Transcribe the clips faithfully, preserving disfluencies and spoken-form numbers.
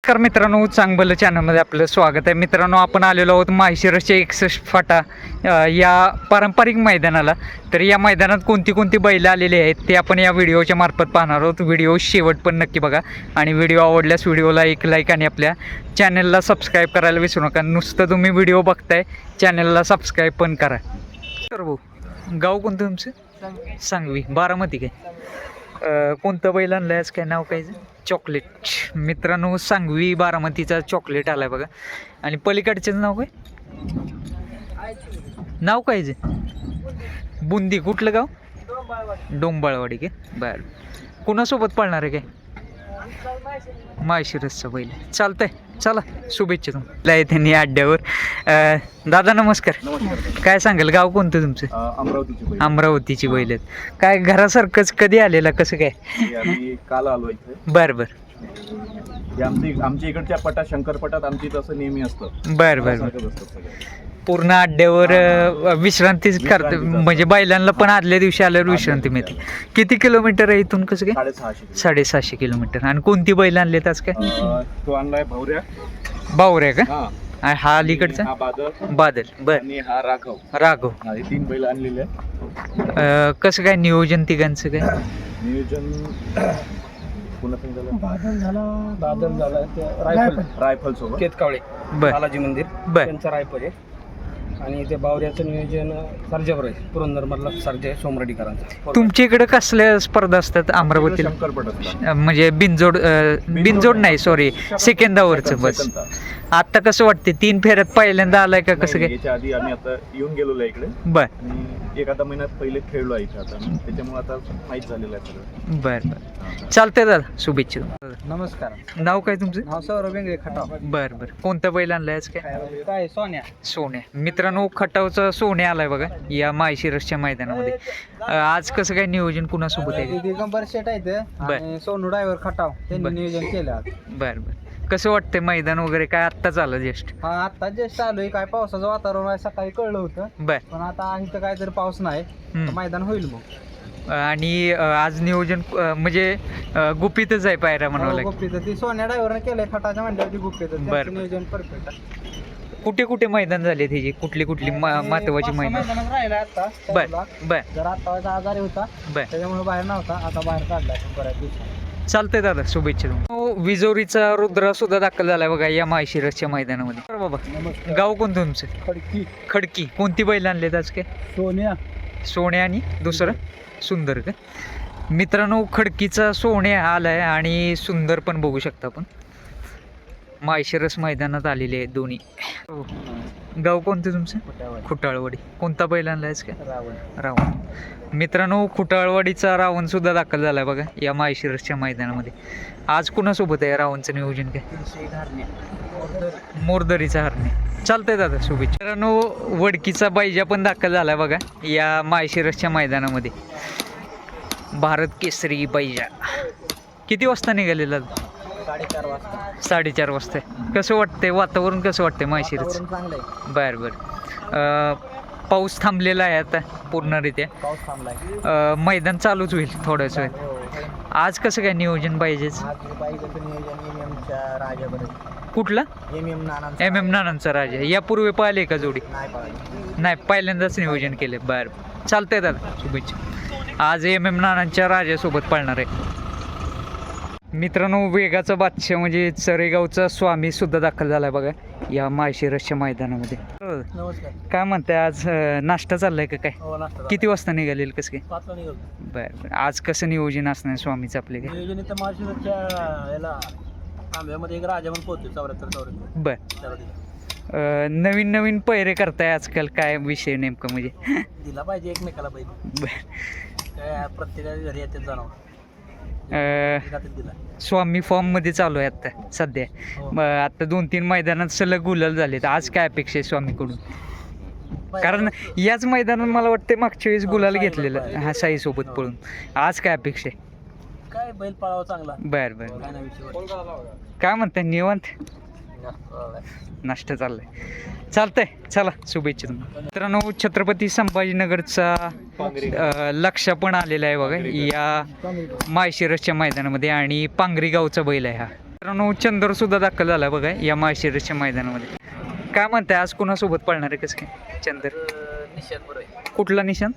नमस्कार मित्रांनो, चांगलं चॅनलमध्ये आपलं स्वागत आहे. मित्रांनो, आपण आलेलो आहोत माळशिरसच्या एकसष्ट फाटा या पारंपरिक मैदानाला. तर या मैदानात कोणती कोणती बैलं आलेली आहेत ते आपण या व्हिडिओच्या मार्फत पाहणार आहोत. व्हिडिओ शेवट पण नक्की बघा आणि व्हिडिओ आवडल्यास व्हिडिओला एक लाईक आणि आपल्या चॅनलला सबस्क्राईब करायला विसरू नका. नुसतं तुम्ही व्हिडिओ बघताय, चॅनलला सबस्क्राईब पण करा. तर भाऊ, गाव कोणतं तुमचं? सांगवी, बारामती काय? कोणतं बैल आणलं आहेस, काय नाव काय? चॉकलेट. मित्रांनो, सांगवी बारामतीचा चॉकलेट आलाय बघा. आणि पलीकडचेच नाव काय? नाव काय जे? बुंदी. कुठलं गाव? डोंबाळवाडी काय? बरं. कुणासोबत पळणार आहे काय? माळशिरसचा बैल. चालतंय, चला शुभेच्छा तुम्हाला त्यांनी अड्ड्यावर. दादा नमस्कार. काय सांगाल, गाव कोणतं तुमचं? अमरावतीची. अमरावतीची बैल आहेत काय? घरासारखंच कधी आलेला, कसं काय? काल आलो इथे. बरं बरं. आमची आमच्या इकडच्या पटात, शंकर पटात आमची तसं नेहमी असतं. बरं बरं. पूर्ण अड्ड्यावर विश्रांतीच करतो, म्हणजे बैलांना पण आदल्या दिवशी आल्यावर विश्रांती मिळते. किती किलोमीटर आहे इथून, कसं काय? साडेसहाशे साडेसहाशे किलोमीटर. आणि कोणती बैल आणलेत आज काय? तो आणलाय भावऱ्या. बावऱ्या का? हा. आणि हा अलीकडचा? हा बादल. बादल. बर. आणि हा राघव. राघव. हा, हे तीन बैल आणलेले अं, कसं काय नियोजन तिघांचं काय? नियोजन पुन्हा झालं. बादल झाला बादल झाला रायफल रायफल सोबत केतकावळे बर बालाजी मंदिर बर. त्यांचा रायफल आहे. आणि ते बावऱ्याचं नियोजन सर्जावर आहे, पुरंदरमधला सर्जा आहे, सोमरडीकरांचा. तुमच्या इकडे कसल्या स्पर्धा असतात अमरावतीला? शंकर पटात अं, म्हणजे बिनजोड अं, बिनजोड नाही, सॉरी, सेकंदावरचं बस. आता कसं वाटते, तीन फेऱ्यात पहिल्यांदा आलाय का, कसं काय? याच्या आधी आम्ही आता येऊन गेलेलो आहे इकडे. बर. आणि एक आता महिन्यात पहिले खेळलो आहे इथे आता, त्याच्यामुळे आता माहीत झालेलं आहे सगळं. बर बर. चालतंय दादा, शुभेच्छा तुम्हाला. नमस्कार. नाव काय तुमचं? नाव सौरभ बेंगळे, खटाव. बर बर. कोणतं बैल आणलंय आज काय? काय सोन्या. सोन्या. मित्रांनो, खटावचा सोन्या आलाय बघा या माळशिरसच्या मैदानामध्ये. अं, आज कसं काय नियोजन कुणासोबत आहे? दिगंबर शेट आहे ते बर. आणि सोनू ड्रायव्हर खटाव, बर. त्यांनी नियोजन केलं आज. बर बर. कसं वाटतंय मैदान वगैरे, काय आत्ताच आलं जस्ट? हा, आता जस्ट आलोय. काय पावसाचं वातावरण आहे, सकाळी कळलं होतं, बर. पण आता इथं काहीतरी पाऊस नाही, हम्म. तर मैदान होईल मग. आणि अं, आज नियोजन अं, म्हणजे अं, गुपितच आहे पायऱ्या म्हणावं लागेल. गुप्पीचं ती सोन्या ड्रायव्हरने केलंय खटाच्या म्हणल्यावरती गुप्पीचं. बर. त्यांचं नियोजन परफेक्ट आहे. कुठे कुठे मैदान झाले त्याची, कुठली कुठली म- महत्वाची मैदान? मैदानात राहिला आता बर त्याला. बर जर आता आजारी होता, बर. त्याच्यामुळे बाहेर नव्हता, आता बाहेर काढलाय बऱ्याच दिवसात. चालतंय दादा, शुभेच्छा तुम्हाला. हो, विजोरीचा रुद्रा सुद्धा दाखल झालाय बघा या माळशिरसच्या मैदानामध्ये. बरं बाबा, गाव कोणतं तुमचं? खडकी. खडकी. कोणती बैल आणलेत आज काय? सोन्या. सोन्या आणि दुसरं सुंदर का? मित्रांनो, खडकीचा सोन्या आलाय आणि सुंदर पण बघू शकता आपण. माळशिरस मैदानात आलेले आहेत दोन्ही. हो. गाव कोणतं तुमचं? खुटाळवाडी. कोणता बैल आणलाय आज काय? रावण. रावण. मित्रांनो, खुटाळवाडीचा रावण सुद्धा दाखल झालाय बघा या माळशिरसच्या मैदानामध्ये. आज कुणासोबत आहे रावणचं नियोजन काय? मोरदरीचा हरणे. चालतंय दादा, शुभेच्छा. मित्रांनो, वडकीचा बैजा पण दाखल झालाय बघा या माळशिरसच्या मैदानामध्ये. भारत केसरी बैजा. किती वाजता निघालेला? साडेचार वाजता. साडेचार वाजता. कसं वाटतंय वातावरण, कसं वाटतंय माळशिरस? चांगलं आहे. बरं बरं. पाऊस थांबलेला आहे आता पूर्णरित्या. पाऊस थांबलाय. अं, मैदान चालूच होईल थोड्याच वेळ. आज कसं काय नियोजन पाहिजेच? आज बाईचं नियोजन एम एमच्या राजाबरोबर. कुठला? M M Nana. M M नानांचा राजा. यापूर्वी पाहिले का जोडी? नाही पाहिजे. नाही, पहिल्यांदाच नियोजन केले. बरं, चालतंय दादा, शुभेच्छा. आज एम एम नानांच्या राजासोबत पळणार आहे. मित्रांनो, वेगाचा बादशाह म्हणजे चरेगावचा स्वामी सुद्धा दाखल झालाय बघा या माळशिरसच्या मैदानामध्ये. नमस्कार. काय म्हणताय, आज अं, नाश्ता चाललाय का काय? हो, नाश्ता. किती वाजता निघालेल, कसं काय? पाचला निघालो. बरं बरं. आज कसं नियोजन असणार स्वामीचं आपले काय? नियोजन इथं माळशिरसच्या याला तांब्यामध्ये एक राजा म्हणून पोहोचतो, चौऱ्याहत्तर चौऱ्याहत्तर बरं. त्याला दिला. अं, नवीन नवीन पैरे करताय आजकाल, काय विषय नेमकं म्हणजे? दिला पाहिजे एकमेकाला पाहिजे. बरं. काय प्रत्येकाच्या घरी येते जाणवं. अं, दिला. स्वामी फॉर्ममध्ये चालू आहे आता सध्या. हो. मग आता दोन तीन मैदानात सलग गुलाल झाले. तर आज काय अपेक्षा आहे स्वामीकडून? कारण याच मैदानात मला वाटतं मागच्या वेळेस गुलाल घेतलेलं हा साईसोबत पळून. आज काय अपेक्षा आहे? काय बैल पळावा चांगला. बरं बरं. काय नाही विषय. काय म्हणताय, निवांत नाश्ता चाललाय? चालतंय, चला शुभेच्छा तुम्हाला. मित्रांनो, छत्रपती संभाजीनगरचा अं, लक्ष पण आलेला आहे बघा या माळशिरसच्या मैदानामध्ये. आणि पांगरी गावचा बैल आहे हा. मित्रांनो चंद्र सुद्धा दाखल झाला बघा या माळशिरसच्या मैदानामध्ये. काय म्हणताय आज कोणासोबत पळणार आहे कसं काय चंद्र? कुठला निशान?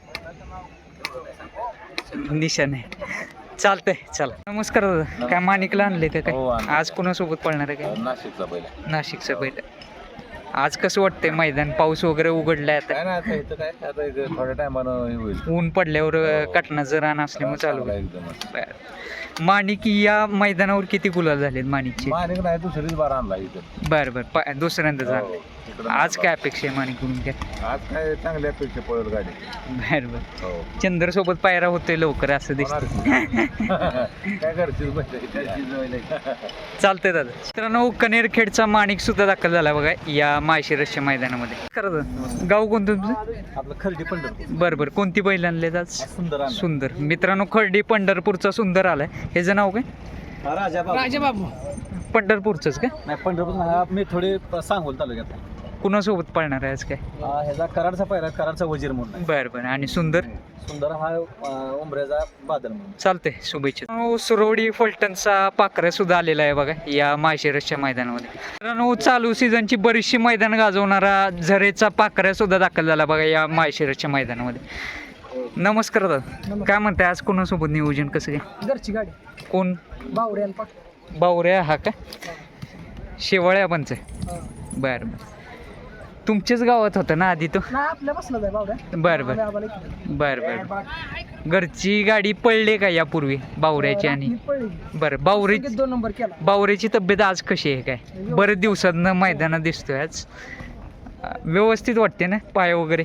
निशान आहे. चालतंय चला. नमस्कार दादा. काय माणिकला आणले का हो, काय? आणलंय. आज कोणासोबत पळणार आहे काय? नाशिकचा पहिला. नाशिकचं पहिलं. आज कसं वाटतंय मैदान? पाऊस वगैरे उघडलाय आता, काय ना आता इथं काय आता इथं थोड्या टायमानं हे होईल. ऊन पडल्यावर कटनाचं रान असल्यामुळे चालू चांगला आहे. एकदमच. बरं. माणिक या मैदानावर किती गुलाल झालेत माणिकचे? माणिक नाही दुसरीच बार आणला इथं. बरं बरं पा दुसऱ्यांदा हो, झालं. इकडं आज काय अपेक्षा आहे माणिकडून काय? आज काय चांगल्या अपेक्षा पळेल गाडी. बरं बरं. हो. चंद्र सोबत पायरा होतोय लवकर असं होणार दिसतं. की. काय करशील बस. चालतंय दादा. मित्रांनो कनेरखेडचा माणिक सुद्धा दाखल झाला बघा या माळशिरसच्या मैदानामध्ये. खरं गाव कोणतं तुमचं? आपलं खर्डी पंढरपूर. बरं बरं. कोणती बैल आणलेत आज? सुंदर आणला. सुंदर. मित्रांनो खर्डी पंढरपूरचा सुंदर आलाय. ह्याचं नाव काय? राजा राजा बाबू पंढरपूरचंच काय? नाही पंढरपूर मी थोडे सांगोल तालुक्यात. कुणासोबत पळणार आहे आज काय? ह्याचा कराडचा पहिला कराडचा वजीर म्हणून आहे. बरं बरं. आणि सुंदर? सुंदर हा उमऱ्याचा बादल म्हणून. चालतंय शुभेच्छा. मित्रांनो, सुरवडी फलटणचा पाखरा सुद्धा आलेला आहे बघा या माळशिरसच्या मैदानामध्ये. मित्रांनो चालू सीझनची बरीचशी मैदान गाजवणारा झरेचा पाखरा सुद्धा दाखल झाला बघा या माळशिरसच्या मैदानामध्ये. नमस्कार दादा. काय म्हणताय आज कोणासोबत नियोजन कसं काय? घरची गाडी कोण? बावड्या बावऱ्या हा का? शेवाळ्या पंच आहे. बरं बरं. तुमच्याच गावात होतं ना आधी तो? नाही आपल्या बसला जाय बावड्या. बरं बरं बरं बरं. घरची गाडी पडली का यापूर्वी बावऱ्याची? आणि बरं बावऱ्याची दोन नंबर केला. बावऱ्याची तब्येत आज कशी आहे काय? बरेच दिवसातनं मैदानात दिसतोय आज. व्यवस्थित वाटते ना पाय वगैरे?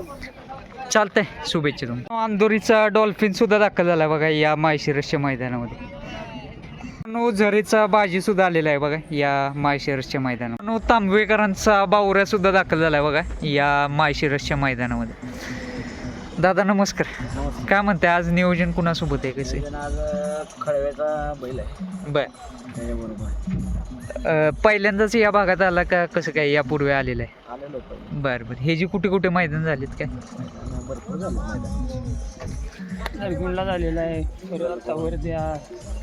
चालतंय शुभेच्छा तुम्हाला. अंदोरीचा डॉल्फिन सुद्धा दाखल झाला बघा या माळशिरसच्या मैदानामध्ये. नो झरेचा बाजी सुद्धा आलेला आहे बघा या माळशिरसच्या मैदानात. नो तांबवेकरांचा बावऱ्या सुद्धा दाखल झाला आहे बघा या माळशिरसच्या मैदानामध्ये. दादा नमस्कार. काय म्हणताय आज नियोजन कुणासोबत आहे कसं? आज खळव्याचा बैल आहे. बर. त्याच्याबरोबर पहिल्यांदाच या भागात आला का कसं काय यापूर्वी आलेलं आहे? आलेलो होतो. बरं बरं. हे जी कुठे कुठे मैदान झालेत काय? भरपूर झालं नरगुंडला झालेला आहे. परत वर द्या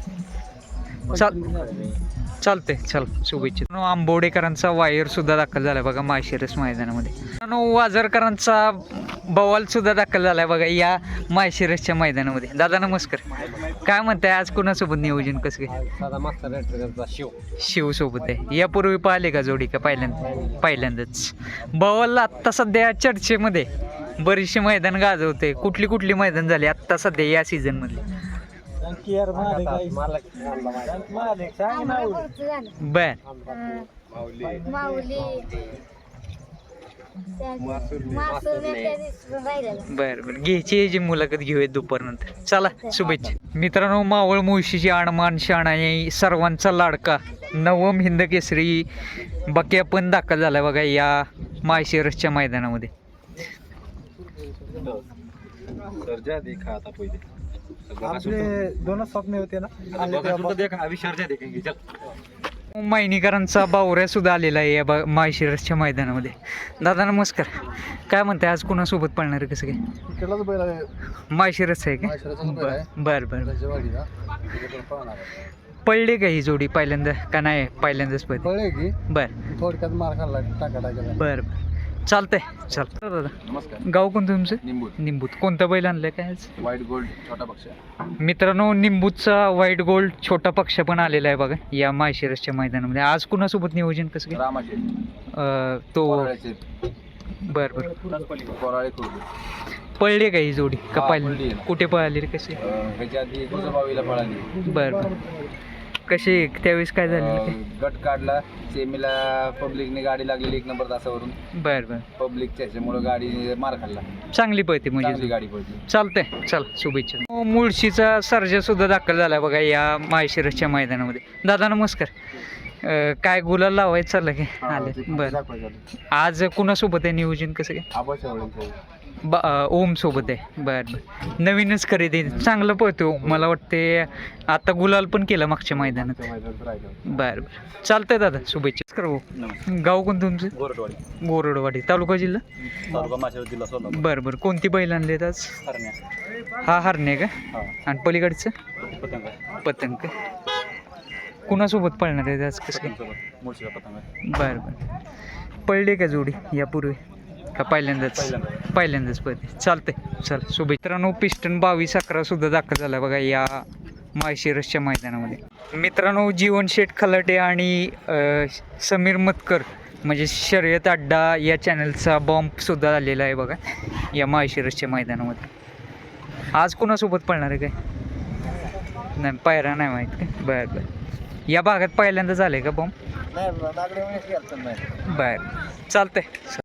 चाल चालतंय चल शुभेच्छा. नो आंबोडेकरांचा वायर सुद्धा दाखल झाला बघा माळशिरस मैदानामध्ये. नो वाजरकरांचा बवाल सुद्धा दाखल झालाय बघा या माळशिरसच्या मैदानामध्ये. दादा नमस्कार. काय म्हणताय आज कुणासोबत नियोजन कसं काय? साधा मास्तर रेटरचा शिव शिव सोबत आहे. यापूर्वी पाहिले का जोडी का पहिल्यांदा? पहिल्यांदाच. बवालला आत्ता सध्या चर्चेमध्ये बरीचशी मैदान गाजवते. कुठली कुठली मैदान झाली आत्ता सध्या या सीझन मध्ये? बर बर बर. घ्यायची याची मुलाखत घेऊयात दुपारनंतर. चला शुभेच्छा. मित्रांनो मावळ मुळशीची आणमान शहाणा सर्वांचा लाडका नवम हिंद केसरी बक्या पण दाखल झाला बघा या माळशिरसच्या मैदानामध्ये. आपले दोनच स्वप्न होते ना. मायनीकरांचा बावऱ्या सुद्धा आलेला आहे या बा माळशिरसच्या मैदानामध्ये. दादा नमस्कार. काय म्हणताय आज कुणासोबत पळणार आहे कसं काय? माळशिरस आहे का? बर बर बर. पडले का ही जोडी पहिल्यांदा का नाही? पहिल्यांदाच पडली. बर थोडक्यात मार खाल्ला टाका टाका. बर बर. चालतंय चल. दादा नमस्कार. गाव कोणतं तुमचं? निंबूत. निंबूत. कोणतं बैल आणलंय काय आज? व्हाईट गोल्ड छोटा पक्ष. मित्रांनो निंबूचा व्हाईट गोल्ड छोटा पक्ष पण आलेला आहे बघा या माळशिरसच्या मैदानामध्ये. आज कुणासोबत नियोजन कसं काय? रामाचे अं, तो कोराळ्याचे. बर बर. कोराळे खुर्द. पळले का ही जोडी का हा, पाहिली? पळली आहे. कुठे पळाली रे कशी? अं, ह्याच्या आधी गुजबावीला पळाली. बर बर. कशी त्यावेळेस काय झालेलं अं, काय? गट काढला सेमीला पब्लिकने गाडी लागलेली एक नंबर तासावरून. बर बर. पब्लिकच्या ह्याच्यामुळे गाडी मार खाल्ला. चांगली पळते चांगली म्हणजे. गाडी पडली. चालतंय चल शुभेच्छा. मुळशीचा सर्जा सुद्धा दाखल झाला बघा या माळशिरसच्या मैदानामध्ये. दादा नमस्कार. अं, काय गुलाल लावायचं चाललं काय? आले बर. आज कुणासोबत आहे नियोजन कसं काय? आबाच्या ब ओम सोबत आहे. बर बर. नवीनच खरेदी चांगलं पळतो मला वाटते. आता गुलाल पण केलं मागच्या मैदानात. बर बर. चालतंय दादा शुभेच्छा. करू. गाव कोण तुमचं? गोरटवाडी. गोरडवाडी तालुका जिल्हा? तालुका माशेवाडी जिल्हा सोलापूर. बरं बरं. कोणती बैल आणलेत आज? हरण्या. हा हरणे का? हा. आणि पलीकडचं? पतंग. पतंग. कुणासोबत पळणार आहे आज कसं काय? पतंगसोबत मुळशीचा पतंग आहे. बरं बरं पळली का जोडी यापूर्वी का पहिल्यांदाच पहिल्यांदा. पहिल्यांदाच पळते चालतंय चल शुभेच्छा. मित्रांनो पिस्टन बावीस अकरा सुद्धा दाखल झाला बघा या माळशिरसच्या मैदानामध्ये. मित्रांनो जीवन शेठ खलाटे आणि अ, समीर मतकर म्हणजे शर्यत अड्डा या चॅनलचा बॉम्ब सुद्धा आलेला आहे बघा या माळशिरसच्या मैदानामध्ये. आज कोणासोबत पळणार आहे काय? नाही पायरा नाही माहीत काय? बरं बरं या भागात पहिल्यांदा झालं आहे का बॉम्ब? नाही बरं चालतंय.